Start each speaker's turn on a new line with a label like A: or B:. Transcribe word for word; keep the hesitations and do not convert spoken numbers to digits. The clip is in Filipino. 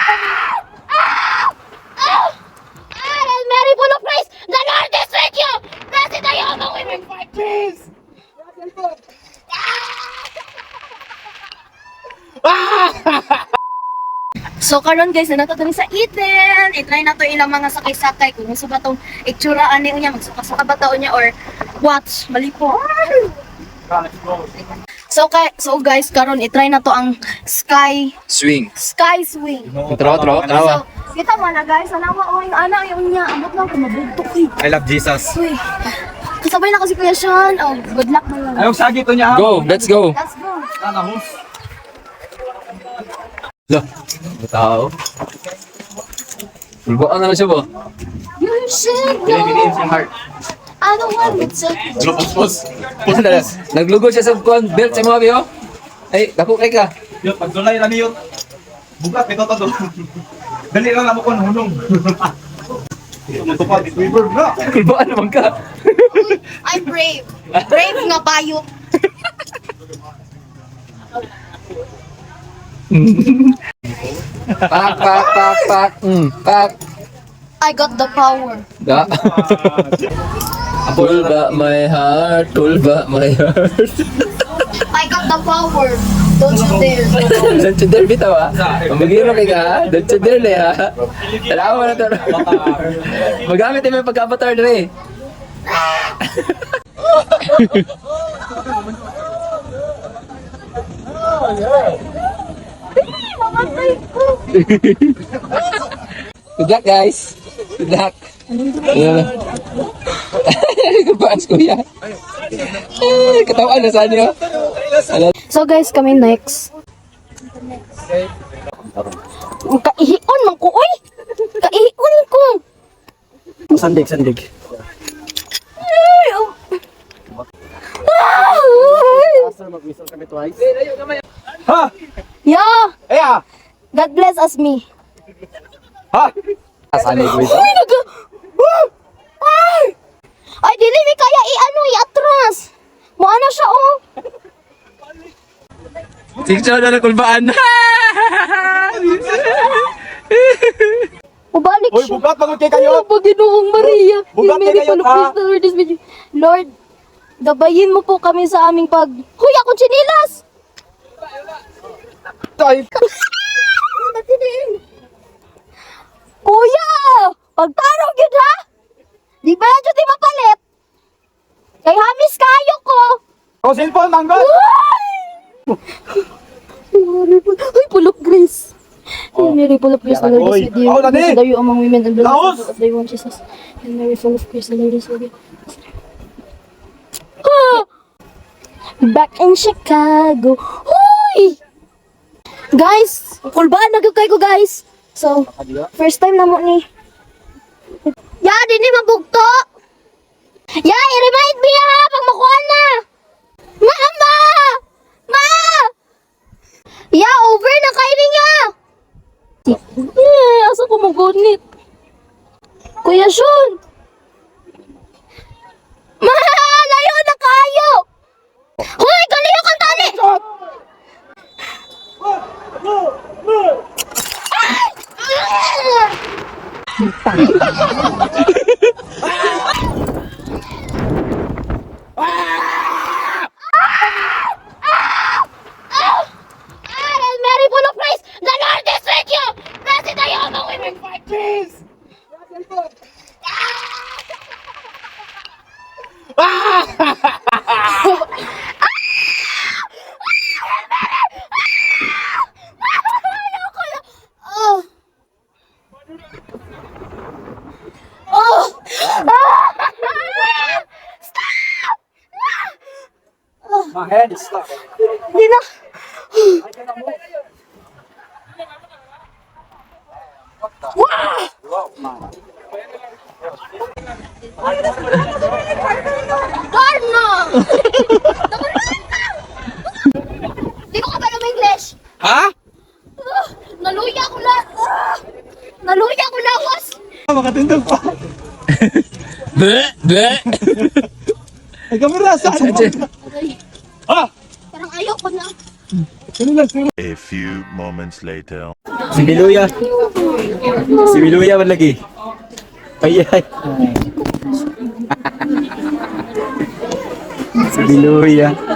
A: Mary full of praise, the Lord is with you. Blessed are you among women.
B: Please!
A: So karon guys, na nato diri sa Eden. I-try na to ilang mga sakay-sakay kung gusto ba tong itsuraan niya, magsuka-suka ba taon niya or watch, bali po. So kay so guys, karon i-try na to ang sky
B: Swing.
A: sky swing.
B: Trawa, trawa, trawa.
A: So, kita mo na guys, anawa o yung ana yung niya, amot lang kumabugtok eh.
B: I love Jesus.
A: Uy. Kasabay na kasi Kuya Sean. Oh, good luck na lang.
C: Ayong sagi to niya.
B: Go, let's go.
A: Let's go.
C: Sana hus.
B: Lo, tao. Bulbaan na lang siya ba?
A: You should
C: Biniin
A: know.
C: siyang heart.
A: I don't want to take you.
C: Pus, pus.
B: Naglugod siya sa kuan belt sa mga biyo. Ay, dako kay ka.
C: Yo, pag dulay lang yun. Bugat, ito to do. Dali lang ako kung hunong. Matupad, river na.
B: Bulbaan naman ka.
A: I'm brave. Brave nga payo.
B: Pak, pak, pak, pak. Mm, pak.
A: I got the power.
B: Da. Tulba my heart, tulba my heart.
A: I got the power. Don't you dare.
B: Don't you dare bitaw ha. Magiro kay ka ha. Don't you dare le ha. Alam mo na to. Magamit yung pagka-avatar dre. Good luck guys. Good luck. Yeah. Kapaas kuya. Eh, katawan na sa inyo.
A: So guys, kami next. Kaihion man ko, oy! Kaihion ko!
C: Sandig, sandig.
A: Ay, oh.
C: Mag-whistle kami twice. Ha!
A: Yeah!
C: Eh ah!
A: God bless us me.
C: Ha! Sandig whistle.
A: Uy, naga... Ay! Ay, dili mi kaya i-ano, i-atras. Maana siya, oh.
B: Picture na kulbaan.
A: Mabalik
C: Uy,
A: siya.
C: bugat pagod kay kayo.
A: Ano ba, Ginoong Maria?
C: Bu- bugat
A: Mary,
C: kayo,
A: Full of
C: ha?
A: Grace, the Lord is with you. Lord, gabayin mo po kami sa aming pag... Huy, akong chinilas!
C: Tay.
A: Kuya! Pagtarong yun, ha? Di ba yan di mapalit? Kay hamis kayo ko!
C: O, cellphone, manggol.
A: Ay, full of grace. Hail Mary, full of grace, the Lord is with you.
C: Oh, Lani!
A: Blessed are you among women, and blessed
C: Laos!
A: is the fruit of thy womb, Jesus. Hail Mary, full of grace, the Lord is with you. Ah! Back in Chicago. Hoy! Guys, kulbaan na kayo ko, guys. So, first time na mo ni. Ya, di ni mabugto. Ya, i-remind me ha, pag makuha na. Mama! Ma! Ya, over na kayo niya. Eh, asa ko magunit? Kuya Sean! Ma! Layo na kayo! Hoy, galiyo kang tali! Hail Mary, full of praise, the Lord is with you. Blessed are you among women.
C: Please!
A: Oh. Oh.
C: My head is stuck.
A: Hindi na. Darna! Di ko ka ba ng English?
B: Ha?
A: Ah, naluya ko la. Ah, naluya ko lawas.
C: Makatindog pa.
B: Be, be.
C: Ay, kamera, saan?
A: Aray,
C: Ha!
A: parang ayaw ko na.
D: A few moments later.
B: Si Biluya. Si Biluya man lagi. Ay ay. Si Biluya.